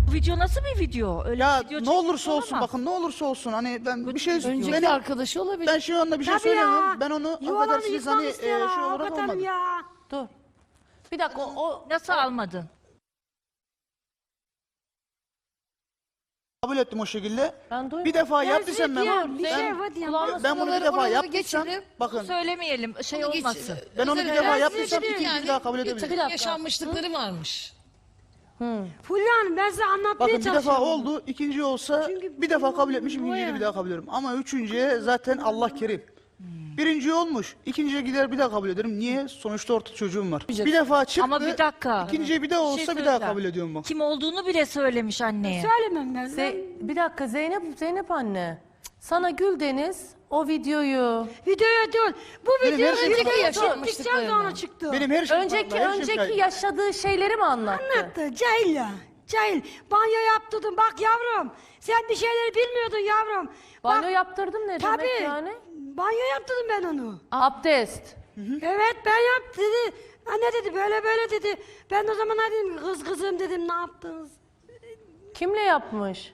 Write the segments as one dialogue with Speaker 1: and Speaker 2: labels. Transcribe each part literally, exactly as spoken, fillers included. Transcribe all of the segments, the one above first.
Speaker 1: Bu video nasıl bir video? Öyle
Speaker 2: Ya
Speaker 1: bir video
Speaker 2: ne olursa
Speaker 1: çekmiş
Speaker 2: olsun,
Speaker 1: olamaz.
Speaker 2: bakın ne olursa olsun hani ben bir şey
Speaker 3: Önceki
Speaker 2: benim,
Speaker 3: arkadaşı olabilir.
Speaker 2: ben şu anda bir şey
Speaker 4: Tabii
Speaker 2: söylemiyorum.
Speaker 4: ya.
Speaker 2: Ben onu
Speaker 4: Yuvalarını
Speaker 2: affedersiniz
Speaker 4: yıkmak
Speaker 2: hani e,
Speaker 4: istiyorlar
Speaker 2: şey olarak
Speaker 4: avukat hanım
Speaker 2: olmadı.
Speaker 4: ya.
Speaker 3: Dur. Bir dakika o, o
Speaker 1: Nasıl almadın?
Speaker 2: Kabul ettim o şekilde.
Speaker 3: Ben duymadım.
Speaker 2: Bir defa
Speaker 4: Ben
Speaker 2: yaptıysam ben
Speaker 4: diyorum,
Speaker 2: bunu.
Speaker 4: bir şey
Speaker 2: Ben,
Speaker 4: var diyorum.
Speaker 3: kulağıma
Speaker 2: ben bunu bir
Speaker 3: sıraları
Speaker 2: defa
Speaker 3: oraları
Speaker 2: yaptıysam
Speaker 3: geçelim.
Speaker 2: bakın
Speaker 1: Söylemeyelim şey
Speaker 3: Bunu geç-
Speaker 1: olmasın.
Speaker 2: ben onu bir
Speaker 3: Özel
Speaker 2: defa
Speaker 3: hayat
Speaker 2: yaptıysam
Speaker 3: yaşadı
Speaker 2: ikinci
Speaker 3: yani.
Speaker 2: daha kabul
Speaker 3: Bir
Speaker 2: edebilirim.
Speaker 3: takım yaşanmışlıkları varmış.
Speaker 4: Fulya Hanım ben size anlatmaya
Speaker 2: Bakın bir
Speaker 4: çalışıyorum.
Speaker 2: defa oldu, ikinci olsa
Speaker 4: Çünkü
Speaker 2: bir defa kabul
Speaker 4: bu-
Speaker 2: etmişim,
Speaker 4: bu
Speaker 2: ikinciyi
Speaker 4: ya.
Speaker 2: bir daha kabul ederim. Ama üçüncüye zaten Allah kerim. Birinci olmuş, ikinciye gider bir daha kabul ederim. Niye? Sonuçta orta çocuğum var. Bir defa çıktı,
Speaker 1: Ama bir dakika.
Speaker 2: ikinciye bir daha
Speaker 3: şey
Speaker 2: olsa bir daha
Speaker 3: söyleyeceğim.
Speaker 2: kabul ediyorum bak.
Speaker 1: Kim olduğunu bile söylemiş anneye.
Speaker 4: Söylemem ben. ben
Speaker 3: Ze- bir dakika Zeynep Zeynep anne. Sana Güldeniz o videoyu
Speaker 4: videoya değil. Bu
Speaker 2: Benim
Speaker 4: video
Speaker 2: her şeyim
Speaker 4: videoya
Speaker 2: kanıtlı.
Speaker 4: çektikten sonra çıktı.
Speaker 2: Benim her şeyim
Speaker 3: önceki
Speaker 2: kanıtlı, her şeyim
Speaker 3: önceki
Speaker 2: kayıtlı.
Speaker 3: yaşadığı şeyleri mi anlattı?
Speaker 4: Anlattı. Cahil ya. Cahil. Banyo yaptırdım. Bak yavrum. Sen bir şeyleri bilmiyordun yavrum.
Speaker 3: Banyo
Speaker 4: Bak,
Speaker 3: yaptırdım ne
Speaker 4: tabii.
Speaker 3: demek yani?
Speaker 4: Banyo yaptırdım ben onu.
Speaker 3: Abdest.
Speaker 4: Evet ben yaptım dedi. Anne dedi böyle böyle dedi. Ben o zaman ne dedim kız kızım dedim ne yaptınız?
Speaker 3: Kimle yapmış?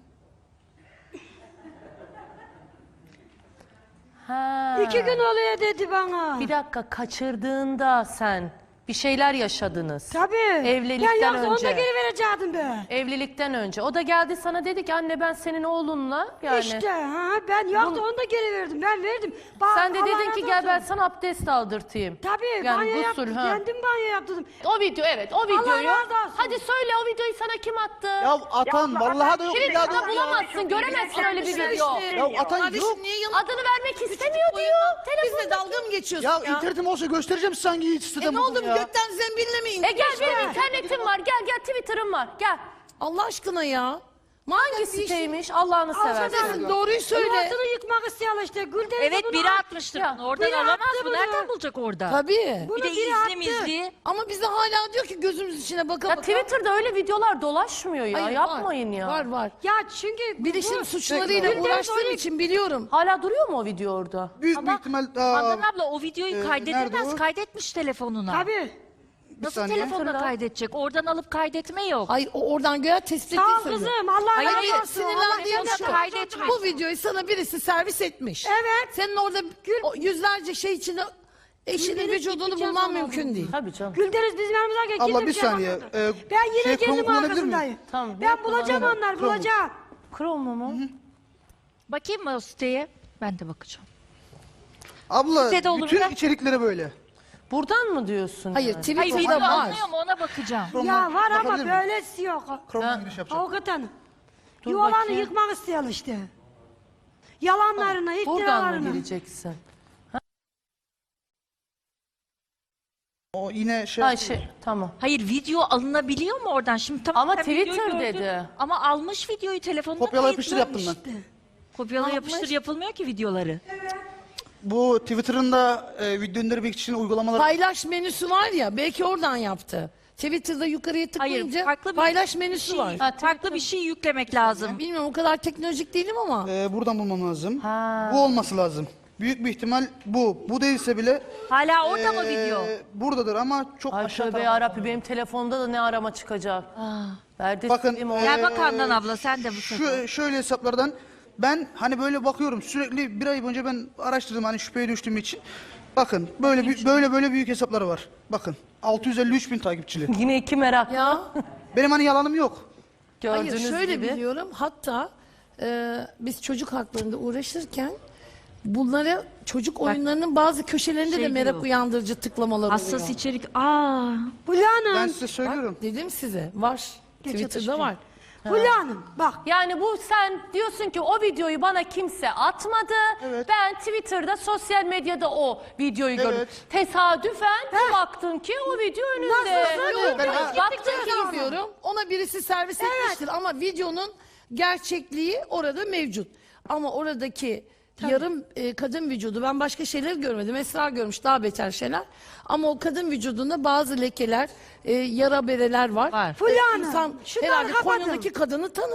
Speaker 3: Ha.
Speaker 4: İki gün oluyor dedi bana.
Speaker 3: Bir dakika kaçırdığında sen bir şeyler yaşadınız.
Speaker 4: Tabii.
Speaker 3: Evlilikten
Speaker 4: ben yoksa onu
Speaker 3: önce.
Speaker 4: da geri verecektim be.
Speaker 3: Evlilikten önce. O da geldi sana dedi ki anne ben senin oğlunla yani.
Speaker 4: İşte ha ben yoksa onu da geri verdim. Ben verdim. Ba-
Speaker 3: Sen de
Speaker 4: Allah
Speaker 3: dedin
Speaker 4: razı
Speaker 3: ki gel ben
Speaker 4: olsun.
Speaker 3: sana abdest aldırtayım.
Speaker 4: Tabii
Speaker 3: Yani
Speaker 4: banyo
Speaker 3: gusül,
Speaker 4: yaptım.
Speaker 3: ha.
Speaker 4: Kendim banyo yaptırdım.
Speaker 3: O video evet o videoyu.
Speaker 4: razı olsun.
Speaker 3: Hadi söyle o videoyu sana kim attı?
Speaker 2: Ya atan vallahi da yok.
Speaker 3: Şimdi
Speaker 2: ya
Speaker 3: burada
Speaker 2: da-
Speaker 3: bulamazsın göremezsin öyle bir video.
Speaker 2: Ya atan
Speaker 5: Kardeşim
Speaker 2: yok.
Speaker 5: niye yalan?
Speaker 3: Adını vermek istemiyor diyor.
Speaker 5: Bizle
Speaker 3: Telefonda.
Speaker 5: dalga mı geçiyorsun
Speaker 2: Ya
Speaker 5: ya?
Speaker 2: internetim olsa göstereceğim size hangi
Speaker 5: E
Speaker 2: siteden
Speaker 5: ne
Speaker 2: buldum
Speaker 5: oldu
Speaker 2: ya.
Speaker 5: gökten zembille mi indi?
Speaker 3: E gel benim internetim var gel gel Twitter'ım var gel.
Speaker 5: Allah aşkına ya.
Speaker 3: Hangi siteymiş Allah'ını seversen.
Speaker 5: Affedersin doğruyu söyle.
Speaker 4: Yuvasını yıkmak istiyorlar işte. Gülden
Speaker 1: Evet
Speaker 4: bunu
Speaker 1: biri
Speaker 4: at-
Speaker 1: atmıştır.
Speaker 3: Ya,
Speaker 1: Oradan
Speaker 4: biri
Speaker 1: alamaz
Speaker 4: attı
Speaker 1: mı?
Speaker 4: bunu.
Speaker 1: Nereden bulacak orada?
Speaker 5: Tabii.
Speaker 4: Bunu
Speaker 1: Bir de
Speaker 4: biri
Speaker 1: izli
Speaker 4: attı.
Speaker 1: mizli.
Speaker 5: Ama bize hala diyor ki gözümüz içine baka
Speaker 3: Ya
Speaker 5: baka.
Speaker 3: Twitter'da öyle videolar dolaşmıyor ya
Speaker 5: Hayır,
Speaker 3: yapmayın
Speaker 5: var,
Speaker 3: ya.
Speaker 5: Var var.
Speaker 4: Ya çünkü
Speaker 5: Bilişim
Speaker 4: bu-
Speaker 5: suçlarıyla
Speaker 4: Gülden
Speaker 5: uğraştığım
Speaker 4: sonra-
Speaker 5: için biliyorum.
Speaker 3: Hala duruyor mu o video orada?
Speaker 2: Büyük
Speaker 1: Ama
Speaker 2: bir ihtimal
Speaker 1: Handan
Speaker 2: aa,
Speaker 1: abla o videoyu
Speaker 2: e, nerede
Speaker 1: kaydedemez.
Speaker 2: o?
Speaker 1: Kaydetmiş telefonuna.
Speaker 4: Tabii.
Speaker 1: Nasıl
Speaker 2: saniye.
Speaker 1: telefonla
Speaker 3: Hatırla.
Speaker 1: kaydedecek? Oradan alıp kaydetme yok.
Speaker 5: Hayır o oradan göğe tespit
Speaker 4: Sağ ol
Speaker 5: ettiği söylüyor.
Speaker 4: kızım. Allah
Speaker 1: Hayır,
Speaker 4: razı
Speaker 1: hayır,
Speaker 4: olsun.
Speaker 5: Sinirlendiğim
Speaker 1: Ama
Speaker 5: şu.
Speaker 1: kaydetmiş.
Speaker 5: Bu videoyu sana birisi servis etmiş.
Speaker 4: Evet.
Speaker 5: Senin orada o yüzlerce şey içinde eşinin
Speaker 4: Gülden'in
Speaker 5: vücudunu
Speaker 4: gideceğiz
Speaker 5: bulman
Speaker 4: ona
Speaker 5: mümkün
Speaker 4: bunu.
Speaker 5: değil.
Speaker 3: Tabii canım.
Speaker 4: Güldeniz bizim yanımıza gel.
Speaker 2: Abla,
Speaker 4: kimse
Speaker 2: bir
Speaker 4: şey
Speaker 2: saniye.
Speaker 4: yapamadı.
Speaker 2: Ee,
Speaker 4: ben yine
Speaker 2: şey,
Speaker 4: kendim
Speaker 2: Chrome kullanabilir
Speaker 4: arkasındayım.
Speaker 2: miyim?
Speaker 3: Tamam,
Speaker 4: Ben
Speaker 3: bir
Speaker 4: bulacağım
Speaker 3: kullanalım.
Speaker 4: onları
Speaker 2: Chrome.
Speaker 4: bulacağım.
Speaker 3: Chrome mu?
Speaker 1: Bakayım mı o siteye? Ben de bakacağım.
Speaker 2: Abla
Speaker 1: Sitede olur
Speaker 2: bütün
Speaker 1: mu?
Speaker 2: içerikleri böyle.
Speaker 3: Buradan mı diyorsun?
Speaker 5: Hayır
Speaker 3: yani?
Speaker 1: Hayır
Speaker 5: Twitter'da
Speaker 1: video
Speaker 5: var.
Speaker 1: alınıyor mu ona bakacağım.
Speaker 4: Ya
Speaker 2: Chrome'dan
Speaker 4: var ama
Speaker 2: bakabilir miyim?
Speaker 4: böylesi yok.
Speaker 2: Chrome'dan giriş yapacağım.
Speaker 4: Avukat hanım.
Speaker 3: Dur
Speaker 4: Yuvalarını
Speaker 3: bakayım.
Speaker 4: yıkmak istiyorlar işte. Yalanlarını,
Speaker 3: Buradan mı
Speaker 4: iftiralarını.
Speaker 3: gireceksin?
Speaker 2: O yine şey.
Speaker 3: Ha şey tamam.
Speaker 1: Hayır video alınabiliyor mu oradan? Şimdi tamam,
Speaker 3: Ama
Speaker 1: sen videoyu
Speaker 3: Twitter
Speaker 1: gördün.
Speaker 3: dedi.
Speaker 1: Ama almış videoyu telefonuna
Speaker 2: Kopyala
Speaker 1: kayıtlı.
Speaker 2: yapıştır yaptım ben.
Speaker 4: İşte.
Speaker 1: Kopyala yapıştır yapılmıyor ki videoları.
Speaker 2: Bu Twitter'ın da e, video indirmek için uygulamalar.
Speaker 5: Paylaş menüsü var ya belki oradan yaptı. Twitter'da yukarıya tıklayınca
Speaker 1: farklı bir
Speaker 5: paylaş menüsü
Speaker 1: şey,
Speaker 5: var.
Speaker 3: Ha,
Speaker 1: farklı bir şey yüklemek lazım.
Speaker 5: Bilmiyorum o kadar teknolojik değilim ama.
Speaker 2: E, buradan bulmam lazım.
Speaker 3: Ha.
Speaker 2: Bu olması lazım. Büyük bir ihtimal bu. Bu değilse bile
Speaker 1: Hala orada mı
Speaker 2: e,
Speaker 1: video?
Speaker 2: buradadır ama çok
Speaker 3: Ay
Speaker 2: aşağı
Speaker 3: tövbe
Speaker 2: tarafta.
Speaker 3: yarabbi benim telefonda da ne arama çıkacak. Verdi
Speaker 2: Bakın,
Speaker 3: sileyim o.
Speaker 2: e,
Speaker 1: Gel bak Handan abla sen de bu sefer.
Speaker 2: Şu, şöyle hesaplardan ben hani böyle bakıyorum sürekli bir ay boyunca ben araştırdım hani şüpheye düştüğüm için. Bakın böyle bir- böyle böyle büyük hesapları var. Bakın altı yüz elli üç bin takipçili.
Speaker 3: Yine iki merak.
Speaker 5: Ya
Speaker 2: Benim hani yalanım yok.
Speaker 3: Gördüğünüz
Speaker 5: hayır şöyle
Speaker 3: gibi.
Speaker 5: biliyorum. Hatta e, biz çocuk haklarında uğraşırken bunlara çocuk oyunlarının bazı köşelerinde
Speaker 1: Şey
Speaker 5: de merak
Speaker 1: diyor.
Speaker 5: uyandırıcı tıklamalar
Speaker 1: Hassas
Speaker 5: oluyor.
Speaker 1: içerik. Aa.
Speaker 4: Fulya Hanım.
Speaker 2: Ben size söylüyorum.
Speaker 5: Bak, dedim size var.
Speaker 4: Geç
Speaker 5: Twitter'da
Speaker 4: atıştı.
Speaker 5: var.
Speaker 4: Fulya Hanım bak.
Speaker 3: Yani bu sen diyorsun ki o videoyu bana kimse atmadı.
Speaker 2: Evet.
Speaker 3: Ben Twitter'da sosyal medyada o videoyu gördüm.
Speaker 2: Evet.
Speaker 3: Tesadüfen bir baktın ki o video önünde.
Speaker 4: Nasıl?
Speaker 3: Yok,
Speaker 2: Ben-
Speaker 3: baktın ki
Speaker 5: Gittikçe izliyorum. Ona birisi servis etmiştir ama videonun gerçekliği orada mevcut. Ama oradaki yarım e, kadın vücudu ben başka şeyler görmedim. Esra görmüş daha beter şeyler. Ama o kadın vücudunda bazı lekeler, e, yara bereler var.
Speaker 1: Var.
Speaker 4: Fulya
Speaker 5: E,
Speaker 4: Hanım,
Speaker 5: İnsan
Speaker 4: şunları
Speaker 5: herhalde
Speaker 4: kapatın.
Speaker 5: Konya'daki kadını tanır.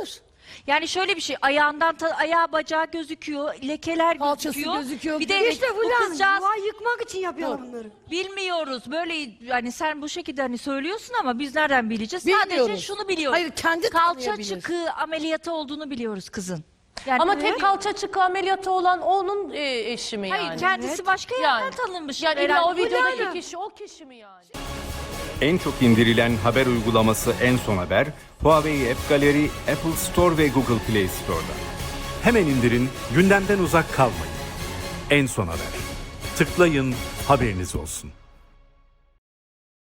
Speaker 1: Yani şöyle bir şey, ayağından ta- ayağı bacağı gözüküyor, lekeler
Speaker 5: Kalçası
Speaker 1: gözüküyor.
Speaker 5: gözüküyor.
Speaker 1: Bir de
Speaker 4: İşte
Speaker 1: bu
Speaker 4: Fulya Hanım
Speaker 1: kızcağız
Speaker 4: yuvayı yıkmak için yapıyorlar bunları.
Speaker 1: bilmiyoruz. Böyle yani sen bu şekilde hani söylüyorsun ama biz nereden bileceğiz? Sadece
Speaker 5: Bilmiyoruz.
Speaker 1: şunu biliyoruz.
Speaker 5: Hayır, kendi
Speaker 1: kalça
Speaker 5: tanıyabilir.
Speaker 1: çıkığı ameliyatı olduğunu biliyoruz kızın. Yani
Speaker 3: Ama tek kalça çıkı ameliyatı olan onun e, eşi mi
Speaker 1: hayır
Speaker 3: yani?
Speaker 1: kendisi başka yerden
Speaker 3: Yani.
Speaker 1: tanınmış.
Speaker 3: Yani illa
Speaker 1: herhalde.
Speaker 3: o videodaki
Speaker 4: Fulya
Speaker 3: kişi o kişi mi yani?
Speaker 6: En çok indirilen haber uygulaması En Son Haber, Huawei App Gallery, Apple Store ve Google Play Store'da.
Speaker 7: Hemen indirin, gündemden uzak kalmayın. En Son Haber. Tıklayın, haberiniz olsun.